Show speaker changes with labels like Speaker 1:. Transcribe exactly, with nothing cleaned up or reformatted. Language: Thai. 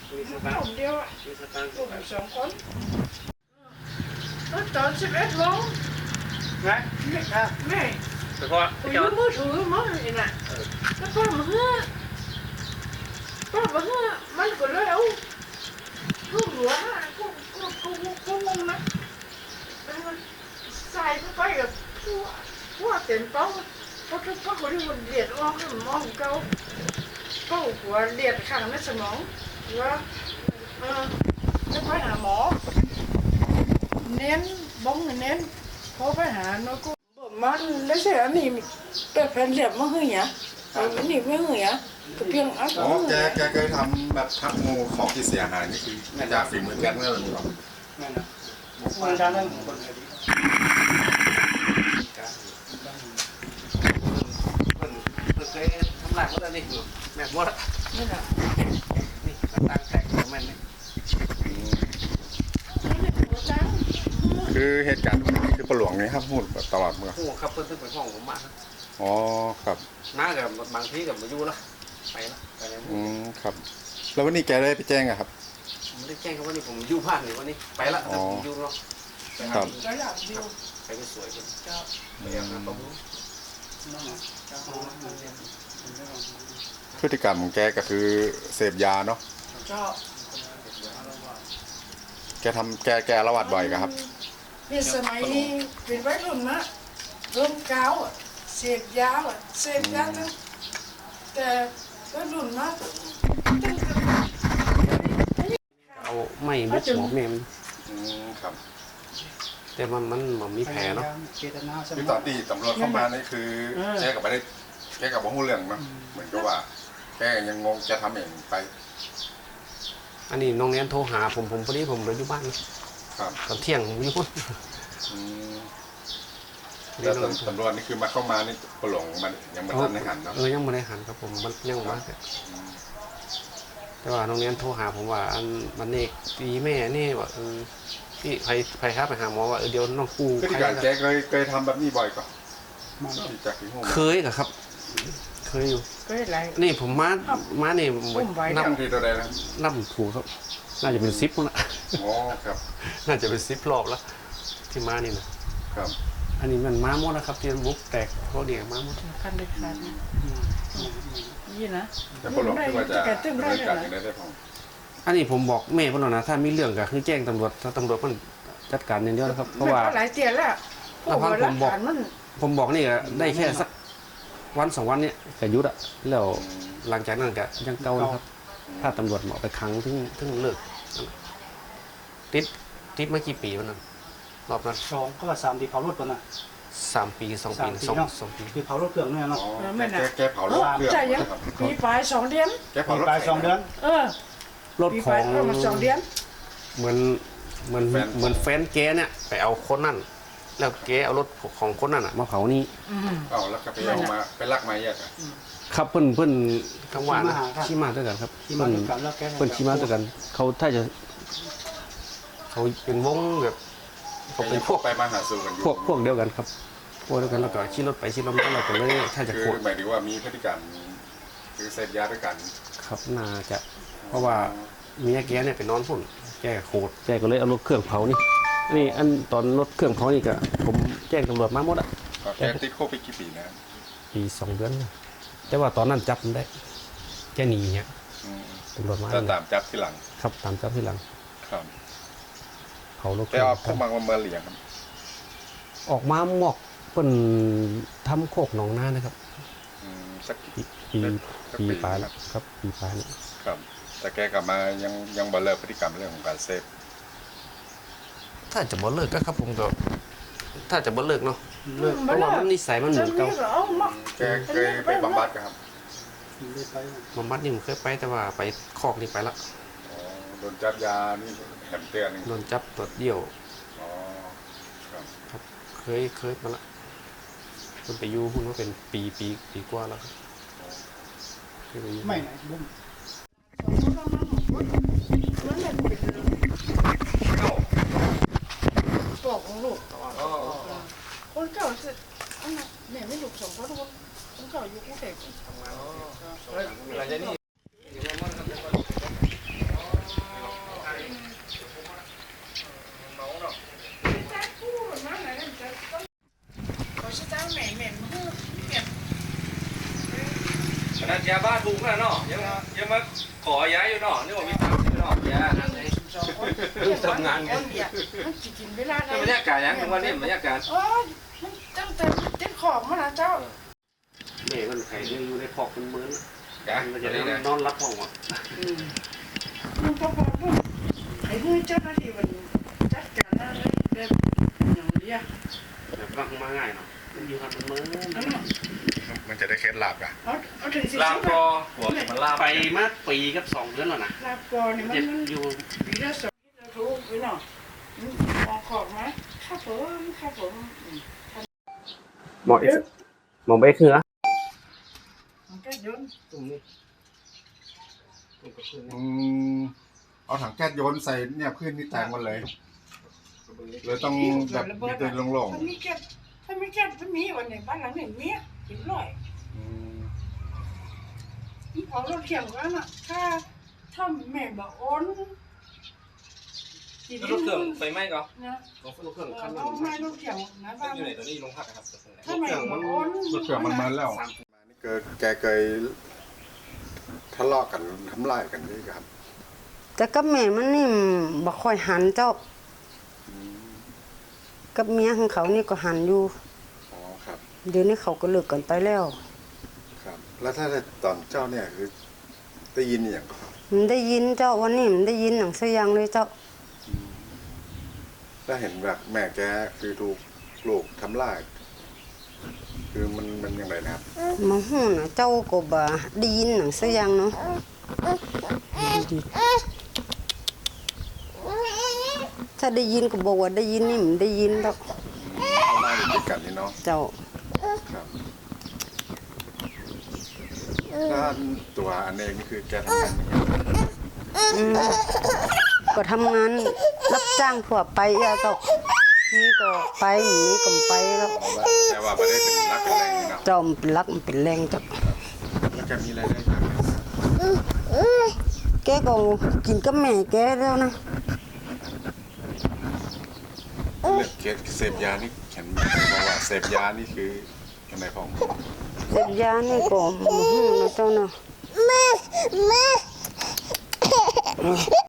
Speaker 1: มีสตางค์เดียวอ่ะมีสตางค์ผมสองคนแล้วตอนสิบเอ็ดโมงไงไม่ไม่แต่พอยืมมือถือมั้งนี่น่ะแล้วก็มาเฮ้อก็มาเฮ้อมันก็เลยเอาลูกหัวน่ะกูกูกูกูงงนะมันใส่เข้าไปกับหัวหัวเต็มเป้าเพราะทุกคนคนที่มันเลียดออกให้มันมองเขาเป้าหัวเลียดข้างในสมองว่าเออจะไปหาหมอเน้นบ้องเน้นพอไปหาเนาะกูบอกมันแล้วเสียนี่เป็นแผ่นเหลี่ยมมาให้เนี่ยเอาอันนี้ไม่ให้เนี่ยก็เพียงอ่ะอ๋อ
Speaker 2: แกแกเคยทำแบบทักงูของที่เสียหายนี่คือจากฝีมือแกเมื่อไหร่หรอ
Speaker 1: นั่นนะมันการนั่นคนคดีเคยทำลายหมดแล้วนี่แม่หมดนี่นะนี่ตั้งแตกของมันนี่
Speaker 2: คือเหตุการณ์นี้คือปหลวงนี่ครับพูดตลอดเมื่อ
Speaker 1: โอ้ครับเพิ่นเพิ่นไปห้องผมมา
Speaker 2: อ๋อครับ
Speaker 1: น้ากับบางทีกับมาอยู่ละไปละไปแล้ว
Speaker 2: อืมครับแล้ววันนี้แกได้ไปแจ้งอะครับ
Speaker 1: ไม่ได้แจ้งเขาวันนี้ผมอยู่บ้านนี่วันนี้ไปละแต่ผมอยู่เนาะ
Speaker 2: ครับ
Speaker 1: ไปไปสวยกันเจ้าไปยังนะผม
Speaker 2: พฤติกรรมของแกก็คือเสพยาเนาะแกทำแกแกละวัดบ่อยครับ
Speaker 3: เป็นสมัยนี้เป็นวัยรุ่นนะรุ่นเก้าเสพยาเสพยาตั้งแต่วัยรุ่นนะ
Speaker 1: เอาไม่บุกหมอแม่มัน
Speaker 2: ครับ
Speaker 1: แต่มันมันมันมีแผลเนาะ
Speaker 2: คือตอนที่ตำรวจเข้ามานี่คือแกกับไม่ได้แกกับบ่ฮู้เรื่องเนาะเหมือนกับว่าแกยังงงจะทำเองไป
Speaker 1: อันนี้น้องเนี้ยโทรหาผมผมพอดีผมอยู่บ้าน
Speaker 2: ครับ
Speaker 1: ตอนเที่ยงผมอยู่บ้าน
Speaker 2: แล้วตำรวจนี่คือมาเข้ามานี่ปหลงมันยังไม่ทันได้หันเนาะ
Speaker 1: เออยังไม่ได้หันครับผมมันยังมาแต่ว่าน้องเนี้ยโทรหาผมว่าอันมันเอกตีแม่นี่ว่าเออพี่ใครใครครับไปหาหมอว่าเออเดี๋ยวน้องกู
Speaker 2: พฤติการแกเคยเคยทำแบบนี้บ่อยก่อน
Speaker 1: เคยกับครับเคยอยู่
Speaker 3: เคยอะไร
Speaker 1: นี่ผมมามาเนี่ย
Speaker 2: นับทีตัวใดนะ
Speaker 1: นับถูกครับน่าจะเป็นซิปนะ
Speaker 2: อ๋อครับ
Speaker 1: น่าจะเป็นซิปรอบแล้วที่มานี่นะครับอันนี้มันมาหมดนะครับที่บุกแตกเขาเดียกมาหมด
Speaker 3: คันเด็ดขาดยี่นะ
Speaker 2: แต่ปหลงที่ว่าจะดำเนินการอย่างไรได้พอ
Speaker 1: อันนี้ผมบอกแม่พ่อหน่อยนะถ้ามีเรื่องก็คือแจ้งตำรวจถ้าตำรวจมันจัดการอย่างเดียวนะครับเพราะว่า
Speaker 3: หลายเตียนแล้ว
Speaker 1: ผมบอกผมบอกนี่ได้แค่สักวันสองวันนี้ก็ยุดอะแล้วหลังจากนั้นก็ยังเก่านะครับถ้าตำรวจเหมาะไปขังถึงถึงเลิกติดติดมากี่ปีวันนั้นรอบนั้น
Speaker 4: สองก็สามปีเผารถก่อนนะ
Speaker 1: สามปีสองปีสองสองปี
Speaker 4: คือเผารถเครื่องเนี่ยเนาะ
Speaker 3: ไม่น่ะ
Speaker 2: แกเผารถเครื่อง
Speaker 3: ใช่ยังปีปลายสองเดือน
Speaker 2: แกเผารถ
Speaker 4: ปลายสองเดือน
Speaker 3: เออ
Speaker 1: รถของ
Speaker 3: สองเดือน
Speaker 1: เหมือนเหมือนเหมือนแฟนแกเนี่ยไปเอาคนนั่นแล้วแกเอารถของคนนั่นอ่ะมาเผานี่
Speaker 2: เอาแล้วก็ไปเอามาไปลักไม้ยัด
Speaker 1: ครับเพิ่นเพิ่นกลางวันขี่มาด้วยกันครับเพิ่นเพิ่นขี่มาด้วยกันเขาถ้าจะเขาเป็นวงแบบ
Speaker 2: เขาเป็นพวกไปมาหาสู่กัน
Speaker 1: พวกพวกเดียวกันครับพวกเดียวกันแล้วก็ขี่รถไปขี่รถมาเราก็เลยถ้าจะ
Speaker 2: คือหมายถึงว่ามีพฤติกรรมคือเสพยาด้วยกัน
Speaker 1: ครับน่าจะเพราะว่าเมียแกเนี่ยไปนอนพุ่นแกโคตรแกก็เลยเอารถเครื่องเผานี่นี่อันตอนรถเครื่องเผานี่ก็ผมแจ้งตำรวจมาหมดอ่ะ
Speaker 2: แกติดคุกไปกี่ปีนะ
Speaker 1: ปีสองเดือนแต่ว่าตอนนั้นจับมันได้แกหนีเนี่ยตำรวจมา
Speaker 2: ตามจับที่หลัง
Speaker 1: ครับตามจับที่หลัง
Speaker 2: ครับ
Speaker 1: เผารถ
Speaker 2: แต่ออกพวกมันมาเหลี่ยม
Speaker 1: ออกมาหมอกเป็นทำโคกหนองนานะครับ
Speaker 2: สัก
Speaker 1: ปีปีปลายแล้วครับปีปลายนี่
Speaker 2: ครับแต่แกกลับมายังยังบ่เลิกพฤติกรรมเรื่องของการเสพ
Speaker 1: ถ้าจะบ่เลิกก็ครับผมก็ถ้าจะบ่เลิกเนาะเลิกเพราะว่ามันนิสัยมันเหมือนเก่า
Speaker 2: แกเคยไปบำบัดครับ
Speaker 1: บำบัดนี่ผมเคยไปแต่ว่าไปคอกนี่ไปละ
Speaker 2: โดนจับยานี่แถมเตือน
Speaker 1: โดนจับตรวจเดี่ยว
Speaker 2: อ๋อ
Speaker 1: ครับเคยเคยมาละมันไปอยู่พุ่นว่าเป็นปีปีปีกว่าแล้วครับ
Speaker 4: ไม่ไหนบุ้ม
Speaker 3: ตัวของลูกคนเก่าสิอันนั้นแม่ไม่ลูกสองคนคนเก่าอยู่กรุงเทพทำงานอะไรนี่
Speaker 5: ถูกแล้วเนาะยังยังมาขอย้ายอยู่เนาะนี่ว่ามีตังค์อยู่เนาะย้าย
Speaker 3: สองคน
Speaker 5: ทำงานไง
Speaker 3: คนเดียวมันจะกินเวลาไหน
Speaker 5: บรรยากาศยังถึงวันนี้บรรยากาศ
Speaker 3: โอ้ยมันตั้งแต่เจ็บของมาแล้วเจ้า
Speaker 6: แม่มันไข่เนี่ยอยู่ในคอกเป็นมื้อ
Speaker 5: จ้ะ
Speaker 6: มันจะได้
Speaker 5: นี่นะ
Speaker 6: นอนรับห้องอ่ะ
Speaker 3: มันพอพอปุ๊บไอ้เพื่อนเจ้าหน้าที่มันจัดการอะไรแบบอย่างเดียว
Speaker 6: แบบรักมาง่ายเนาะมันอยู่กันเป็นมื้อ
Speaker 3: นั่นน่ะ
Speaker 2: มันจะได้เคล็ดลับอ่ะ
Speaker 3: เอาเอาถึงสิ
Speaker 5: ลาบกอหัวมันลาบ
Speaker 6: ไปมาปีกับสองเดือนแล้วนะ
Speaker 3: ลาบก่อนนี่มัน
Speaker 6: เจ็บ
Speaker 3: มัน
Speaker 6: อยู่
Speaker 3: ปีละสองที่เรารู้ไว้เนาะมองขอบไหมครับผมครับผม
Speaker 6: หมอเอ็กหมอเบคเหรอ
Speaker 3: มันก็ยน
Speaker 6: ตรงนี้
Speaker 2: อืมเอาถังแก๊สโยนใส่เนี่ยพื้นนี่แตกหมดเลยเลยต้องแบบมีตัวโล่ง
Speaker 3: ถ้ามีแก๊สถ้ามีแก๊สถ้ามีวันไหนบ้านหลังไหนมีกินร่อย
Speaker 2: ๆอืม
Speaker 3: นี่ของเราเถียงกันอ่ะถ้าถ้าแม่บอกโอนกิน
Speaker 5: รถเครื่องไฟไหม้ก็
Speaker 3: นะ
Speaker 6: รถเครื่องคัน
Speaker 3: เราไม่ต้องเถียงนะบ้าน
Speaker 5: อยู่ไหนตัวนี้ลงพักครับ
Speaker 3: ถ้าแม่บอกโอน
Speaker 2: รถเครื่องมันมาแล้วมานี่เกิดแกเคยทะเลาะกันทำลายกันด้วยครับ
Speaker 7: แต่กับแม่มันนี่บ่ค่อยหันเจ้า กับเมียของเขานี่ก็หันอยู่
Speaker 2: อ๋อครับ
Speaker 7: เดี๋ยวนี้เขาก็เลิกกันไปแล้ว
Speaker 2: ครับ แล้วถ้าตอนเจ้าเนี่ยคือได้ยินอย่างครับ
Speaker 7: มันได้ยินเจ้าวันนี้มันได้ยินหนังเสียงเลยเจ้า
Speaker 2: ถ้าเห็นแบบแม่แกคือถูกลูกทำลาย คือมันมันยังไงนะครับ
Speaker 7: มาหูนะเจ้าก็บ่ได้ยินหนังเสียงเนาะดีๆถ้าได้ยินก็บอกว่าได้ยินนี่มันได้ยินดอก
Speaker 2: ทำลายอยู่ด้วยกันนี่เนาะ
Speaker 7: เจ้า
Speaker 2: ครับถ้าตัวอันเองนี่คือแกทำงานยังไง
Speaker 7: อืมก็ทำงานรับจ้างทั่วไปอะเจ้านี่ก็ไปนี่ก็ไปแล้ว
Speaker 2: แต่ว่าไม่ได้เป็นรักเป็นแรงนี่เนาะ
Speaker 7: เจ้ามันเป็นรักมันเป็นแรงเจ้า
Speaker 2: แล้วแกมีรายได้จากไหนครับ
Speaker 7: แกก็กินกับแม่แกแล้วนะ
Speaker 2: เรื่องเคสเสพยานี่ฉันบอกว่าเสพยานี่คือยังไงของ
Speaker 7: เสพยานี่ก็บ่ฮู้นะเจ้าเนาะ